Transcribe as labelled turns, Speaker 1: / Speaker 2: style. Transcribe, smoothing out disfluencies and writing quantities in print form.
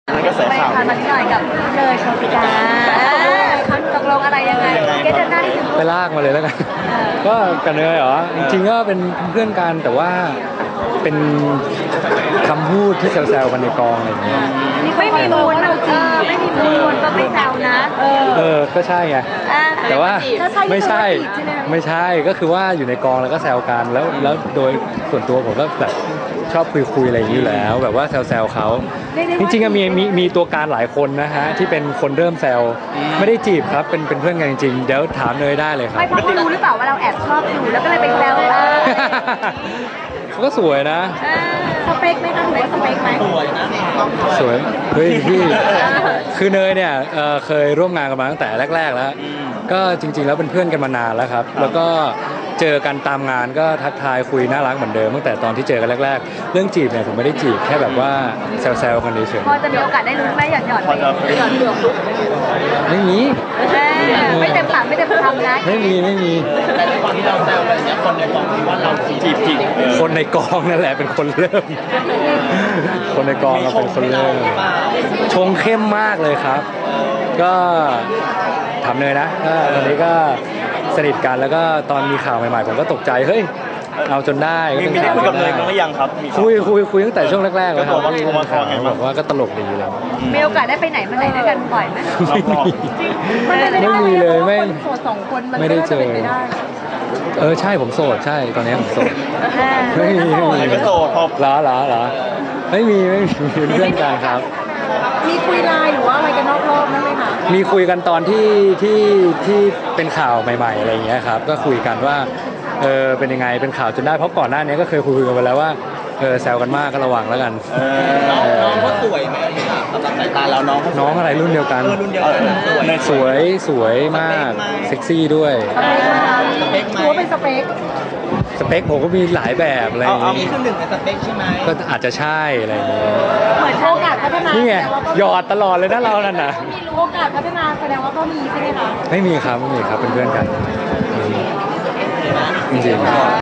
Speaker 1: นั่นก็แสข่าว
Speaker 2: ไปมานิดหน่อยกับเลยโชติกาตกลงอะไรยังไงเก็ตเดินหน้าที่ถึง
Speaker 3: ไปลากมาเลยแล้วกันก็กันเลยเหรอจริงๆก็เป็นเพื่อนกันแต่ว่าเป็นคำพูดที่แซวๆกันในกองอะไรอย่างเงี้ย
Speaker 2: ไม่มีมูลไม่มีมูลก็ไม่แซวนะ
Speaker 3: ก็ใช่ไงแต่ว่าไม่ใช่ก็คือว่าอยู่ในกองแล้วก็แซวกันแล้วโดยส่วนตัวผมก็แบบชอบคุยอะไรอย่างนี้อยู่แล้วแบบว่าแซวเขาจริงๆมีตัวการหลายคนนะฮะที่เป็นคนเริ่มแซวไม่ได้จีบครับเป็นเพื่อนกันจริงๆเดี๋ยวถามเนยได้เลยครับ
Speaker 2: ไม่เพราะเขารู้หรือเปล่าว่าเราแอบชอบอยู่แล้วก็เลยไปแซว
Speaker 3: เขาก็สวยนะ
Speaker 2: สเปคไหมคะถือว่าสเปคไหมสวยนะ
Speaker 3: สวยเฮ้ยพี่คือเนยเนี่ยเคยร่วมงานกันมาตั้งแต่แรกๆแล้วก็จริงๆแล้วเป็นเพื่อนกันมานานแล้วครับแล้วก็เจอกันตามงานก็ทักทายคุยน่ารักเหมือนเดิมตั้งแต่ตอนที่เจอกันแรกๆเรื่องจีบเนี่ยผมไม่ได้จีบแค่แบบว่าแซวๆกันเฉย
Speaker 2: ๆพอจะมีโอกาสได้รู้ไหมหยอดเดือด
Speaker 3: ไม่มี
Speaker 2: ไม่เต็มปากไม่เต็มคำนะ
Speaker 3: ไม่มี
Speaker 1: แต่ในความที่เราแซวแบบนี้คนในกองคิดว่าเราจีบ
Speaker 3: คนในกองนั่นแหละเป็นคนเริ่มคนในกองเราเป็นคนเริ่มชงเข้มมากเลยครับก็ทำเลยนะตอนนี้ก็สนิทกันแล้วก็ตอนมีข่าวใหม่ๆผมก็ตกใจเฮ้ยเอาจนได้
Speaker 1: มีได้คุยกับเนยกันหรือยังครับ
Speaker 3: คุยตั้งแต่ช่วงแรกๆแล้วครับบอกว่าก็ตลกดีเลย
Speaker 2: มีโอกาสได้ไปไหนมาไหนด้วยกันบ่อยไหม
Speaker 3: ไม่มีเลยไม่
Speaker 2: โสดสองคนมัน
Speaker 3: ไม่ได้เจอใช่ผมโสดใช่ตอนนี้ผมโสดไม่มี
Speaker 1: ก็โสดพอ
Speaker 3: เหรอไม่มีเพื่อนกันครับ
Speaker 2: มีคุยไลน์หรือว่าอะไรกันนอกรอบนั่นไหมคะ
Speaker 3: มีคุยกันตอนที่เป็นข่าวใหม่ๆอะไรอย่างเงี้ยครับก็คุยกันว่าเป็นยังไงเป็นข่าวจนได้เพราะก่อนหน้านี้ก็เคยคุยกันไปแล้วว่าแซวกันมากก็ระวังแล้วกัน
Speaker 1: น้องเขาสวยไหมสำหรับสายตาเรา
Speaker 3: น้องอะไรรุ่นเดียวกันสวยมากเซ็กซี่ด้วย
Speaker 2: ถือว่าเป็นสเปค
Speaker 3: ผมก็มีหลายแบบอะไรอย่าง
Speaker 1: งี้มีคือหนึ่งในสเปคใช่ไหม
Speaker 3: ก็อาจจะใช่อะไรอย่างเงี้ย
Speaker 2: เหมือนโอกาสพัฒนา
Speaker 3: นี่ไงหยอดตลอดเลยนะเรานั่นน่ะ
Speaker 2: มีรู้โอกาสพัฒนาแสดงว่าก็มีใช่ไหมคะ
Speaker 3: ไม่มีครับเป็นเพื่อนกันจริงๆ